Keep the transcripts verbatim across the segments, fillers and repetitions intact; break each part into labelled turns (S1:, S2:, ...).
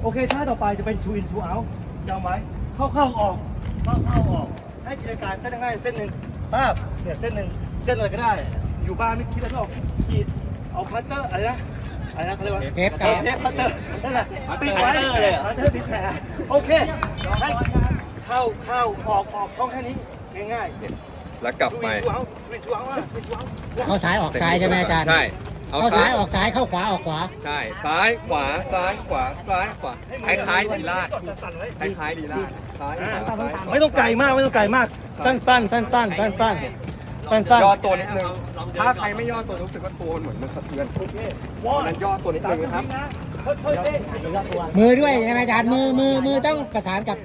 S1: โอเคท่าต่อไปจะเป็น two in two out จำไว้เข้าเข้าออกเข้าเข้าออกให้จินตนาการเส้นง่ายเส้นหนึ่งป้าบเนี่ยเส้นหนึ่งเส้นอะไรก็ได้อยู่บ้านไม่คิดอะไรไม่ออกขีดเอาพัตเตอร์อะไรนะอะไรนะเขาเรียกว่า
S2: เทปกาว
S1: เทปพัตเตอร์นั่นแหละปิดไว้เลยพัตเตอร์ปิดแผลโอเคให้เข้าเข้าออกออกท่องแค่นี้ง่ายๆ
S3: แล้วกลับไป
S2: เข้าซ้ายออกซ้ายใช่ไหมอาจารย์
S3: ใช่เอา
S2: เข้า
S3: ซ้า
S2: ซ้าย ยออกซ้ายเข้าขวาออกขวา
S3: ใช่ซ้ายขวาซ้ายขวาซ้ายขวาคล้ายๆลีลาดคล้ายๆลีลาดซ้ายขวาซ้ายขวา
S1: ไม่ต้องไกลมากไม่ต้องไกลมากสั้นๆสั้นๆสั้นๆสั้นๆสั้น
S3: ย่อตัวนิดนึงถ้าใครไม่ย่อตัวรู้สึกว่าตัวมันเหมือนมันสะเทือนเพราะนั้นย่อตัวนิดนึงนะครับ
S2: มือด้วยใช่ไหมอาจารย์มือมือมือต้องประสานกับ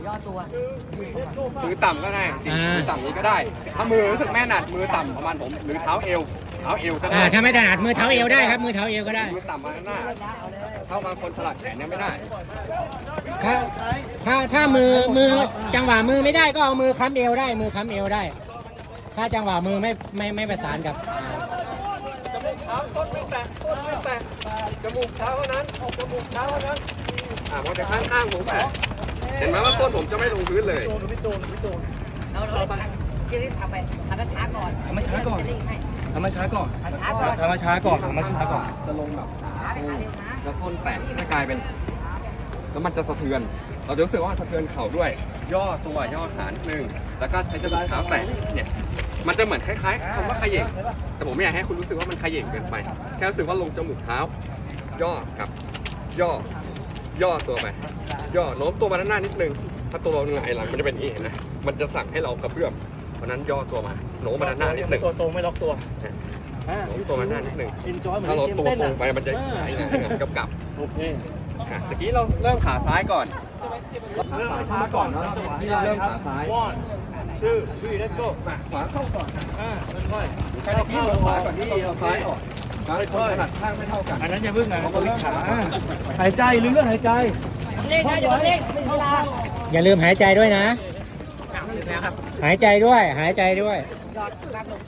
S3: มือต่ำก็ได้จริงมือต่ำนี้ก็ได้ ถ้ามือรู้สึกแม่หนัดมือต่ำประมาณผมหรือเท้าเอวเท้าเอวก็ได้
S2: อ่าถ้าไม่ถนัดมือเท้าเอวได้ครับมือเท้าเอวก็ได้
S3: มือต่ำมาข้างหน้าเท่าบางคนสลัดแขนเนี่ยไม่ได้
S2: ถ้าถ้าถ้ามือมือจังหวะมือไม่ได้ก็เอามือค้ำเอวได้มือค้ำเอวได้ ถ้าจังหวะมือไม่ไม่ไม่ประสานกับอ่า
S3: จมูกเท้าต้นไม่แตะต้นไม่แตะจมูกเท้าเท่านั้นจมูกเท้าเท่านั้นอ่ามันจะข้างข้างผมแผลเห็นไหมว่าต้นผมจะไม่ลงพื้นเลย
S1: ๆโดนพี่โดนพี่โดน
S4: เราเราไปที่นี่ทำไปทำช้าก่อน
S1: ทำมาช้าก่อน
S4: จะรีบให้
S1: ทำมาช้าก่อน
S4: ทำช้าก่อน
S1: ทำมาช้าก่อนทำมาช้าก่อน
S3: จะลงแบบ
S4: ช้าไปหาเร็วนะ
S3: แล้วต้นแตะจะกลายเป็นแล้วมันจะสะเทือน เราจะรู้สึกว่าสะเทือนเข่าด้วย ย่อตัวย่อขานิดนึงแล้วก็ใช้จมูกเท้าแตะเนี่ยมันจะเหมือนคล้ายๆคำว่าเขย่งแต่ผมไม่อยากให้คุณรู้สึกว่ามันเขย่งเกินไป แค่รู้สึกว่าลงจมูกเท้า ย่อกับย่อย่อตัวไป ย่อโน้มตัวมาด้านหน้านิดนึง ถ้าตัวเราหงายหลังมันจะเป็นอย่างนี้เห็นไหมมันจะสั่งให้เรากระเพื่อมเพราะนั้นย่อตัวมาโน้มมาด้านหน้านิดนึง
S1: ตัวตรงไม่ล็อกตัว
S3: โน้มตัวมาด้านหน้านิดนึง
S1: อินจอยเหมือน
S3: ถ้าเรา
S1: เกม
S3: ตัว
S1: เต้น
S3: ตร
S1: อ่ะ
S3: งไปมันจะหงายหงายหงายกับกับ
S1: โอเค
S3: อ่ะตะกี้เราเริ่มขาซ้ายก่อน
S1: เริ่ม
S3: ขา
S1: ช้า
S3: ช้า
S1: ก่
S3: ก่
S1: อ
S3: อน น
S1: แล้
S3: แล้ว ว
S1: จังหวะ
S3: ที่
S1: ที่
S3: เรา
S1: เรา
S3: เริ่
S1: เริ่
S3: ม
S1: ม
S3: ขาซ้าย
S1: one two three let's go
S3: มาขวาเข้าก่อน
S1: อ่าค่อยๆ
S3: ใครตะกี้เราขวาก่อนที่เราซ้ายออกซ้ายคนถนัดข้างไม่เท่ากัน
S1: อันนั้นอย่าพึ่งนะเขาขาอ่าหายใจลืมเรื่องหายใจ
S4: เล่นนะอย่าเล่นเวลา
S2: อย่าลืมหายใจด้วยนะ หายใจด้วยหายใจด้วย
S4: ยอดแป๊บลง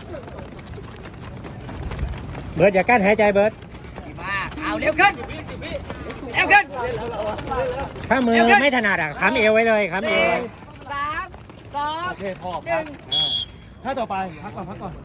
S2: เบิร์ดอย่ากั้นหายใจเบิร์ด
S4: ดีมากเอาเร็วขึ้นเร็วขึ้น
S2: ถ้ามือไม่ถนัดอ่ะค้ำเอวไว้เลยค้ำเอว
S4: สี่
S2: ไว้
S4: สามสอง
S1: โอเคพอพักอ่าถ้าต่อไปพักก่อนพักก่อน